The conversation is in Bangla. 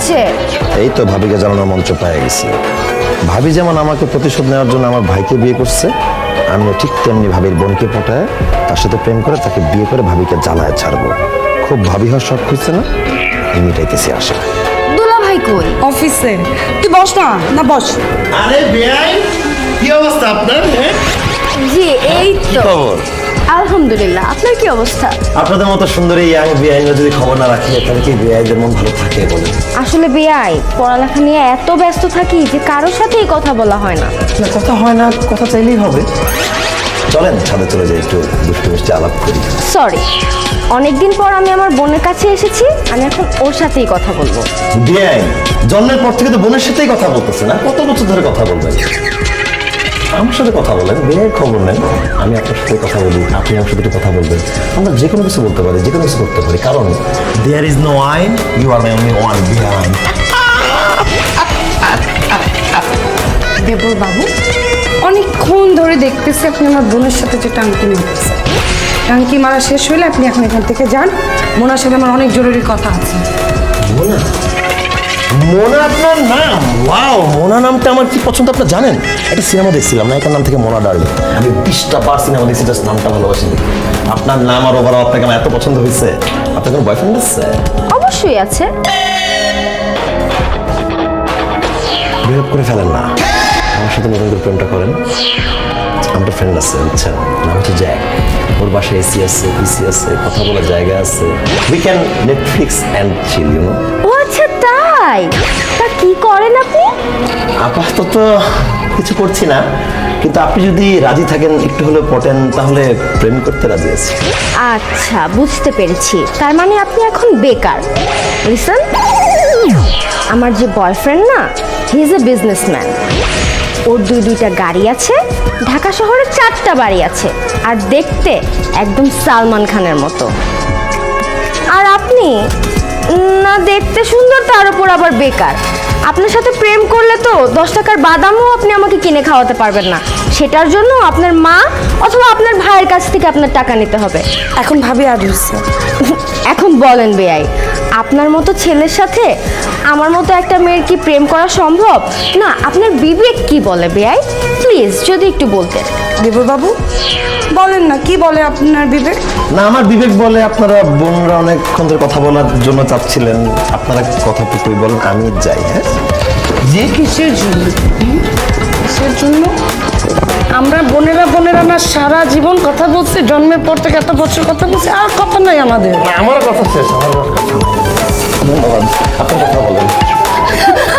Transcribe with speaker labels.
Speaker 1: হচ্ছে?
Speaker 2: এই তো ভাবিকে জানানোর মঞ্চ পেয়ে গেছি। ভাবি যেমন আমাকে প্রতিশোধ নেওয়ার জন্য আমার ভাইকে বিয়ে করছে, আমিও ঠিক তেমনি ভাবির বোনকে পটায় তার সাথে প্রেম করে তাকে বিয়ে করে ভাবিকে জ্বালায় ছাড়বো। খুব ভাবি হওয়ার শখ হচ্ছে না, মিটাইতেছি আশা।
Speaker 1: দুলা ভাই কই?
Speaker 3: অফিসে। তুই বস না, না বস।
Speaker 2: আরে বেয়াই, কি অবস্থা আপনার?
Speaker 1: জি এই তো।
Speaker 2: খবর?
Speaker 1: আলহামদুলিল্লাহ, আপনার কি অবস্থা?
Speaker 2: আপনাদের মতো সুন্দরী ইয়াং বেআইনরা যদি খবর না রাখে তাহলে কি বেআইনদের মন ভালো থাকে বলে?
Speaker 1: আসলে বেয়াই পড়ালেখা নিয়ে এত ব্যস্ত থাকি যে কারোর সাথেই কথা বলা হয় না।
Speaker 2: না কথা হয় না, কথা চাইলেই হবে। চলেন ছাদে চলে যাই, একটু দুষ্টু মিষ্টি আলাপ করি।
Speaker 1: সরি, অনেকদিন পর আমি আমার বোনের কাছে এসেছি, আমি এখন ওর সাথেই কথা বলবো।
Speaker 2: বেআইন জন্মের পর থেকে তো বোনের সাথেই কথা বলতেছে না, কত বছর ধরে কথা বলবেন? আমার সাথে কথা বলেন, বেআইন খবর নেন, আমি আপনার সাথে কথা বলি, আপনি আমার সাথে একটু কথা বলবেন। আমরা যে কোনো কিছু বলতে পারি, যে কোনো কিছু করতে পারি, কারণ দেয়ার ইজ নো আইন, you are my only one বেআইন।
Speaker 3: দেবর বাবু, অনেকক্ষণ ধরে দেখতেছি আপনি আমার বোনের সাথে যে টাঙ্কি মারতেছে। টাঙ্কি মারা শেষ হলে আপনি এখন এখান থেকে যান। মোনার সাথে আমার অনেক জরুরি কথা আছে।
Speaker 2: মোনা? মোনা আপনার নাম? ওয়াও, মোনা নামটা আমার কি পছন্দ আপনার জানেন? একটা সিনেমা দেখছিলাম, নায়িকার নাম থেকে মোনা ডার্লিং। আমি 20টা বার সিনেমা দেখছি, জাস্ট নামটা ভালোবাসি। আপনার নাম আর ওভারঅল আপনাকে আমার এত পছন্দ হয়েছে। আপনার কোনো বয়ফ্রেন্ড আছে?
Speaker 1: অবশ্যই আছে।
Speaker 2: বিহেভ করে ফেলেন না, আমার সাথে নতুন করে প্রেমটা করেন। আমার ফ্রেন্ড আছে, বুঝছেন, নাম হচ্ছে জ্যাক। ওর বাসায় এসি আছে, পিসি আছে, কথা বলার জায়গা আছে। We can Netflix and chill, you know.
Speaker 1: ও আচ্ছা তাই? তা কি করেন আপনি?
Speaker 2: আপাতত কিছু করছি না, কিন্তু আপনি যদি রাজি থাকেন, একটু হলেও পটেন, তাহলে প্রেম করতে রাজি আছি।
Speaker 1: আচ্ছা বুঝতে পেরেছি, তার মানে আপনি এখন বেকার। লিসন, আমার যে বয়ফ্রেন্ড না, হি ইজ এ বিজনেসম্যান। ওর দুইটা গাড়ি আছে, ঢাকা শহরে 4টা বাড়ি আছে, আর দেখতে একদম সালমান খানের মতো। আর আপনি না দেখতে সুন্দর, তার উপর আবার বেকার। আপনার সাথে প্রেম করলে তো 10 টাকার বাদামও আপনি আমাকে কিনে খাওয়াতে পারবেন না। সেটার জন্য আপনার মা অথবা আপনার ভাইয়ের কাছ থেকে আপনার টাকা নিতে হবে।
Speaker 3: এখন ভাবি আর হচ্ছে
Speaker 1: এখন বলেন বেয়াই, আপনার মতো ছেলের সাথে আমার মতো একটা মেয়ের কি প্রেম করা সম্ভব? না, আপনার বিবেক কি বলে বেয়াই? প্লিজ যদি একটু বলতেন।
Speaker 3: দেবর বাবু বলেন না, কি বলে আপনার বিবেক?
Speaker 2: না, আমার বিবেক বলে আপনারা বোনরা অনেকক্ষণ ধরে কথা বলার জন্য চাচ্ছিলেন, আপনারা কথাটুকুই বলেন, আমি যাই। হ্যাঁ,
Speaker 3: যে কিসের জন্য? কিসের জন্য? আমরা বোনেরা না সারা জীবন কথা বলছি, জন্মের পর থেকে এত বছর কথা বলছি, আর কথা নাই আমাদের।
Speaker 2: আমার কথা শেষ, আমার কথা। ধন্যবাদ, আপনার কথা বলেন।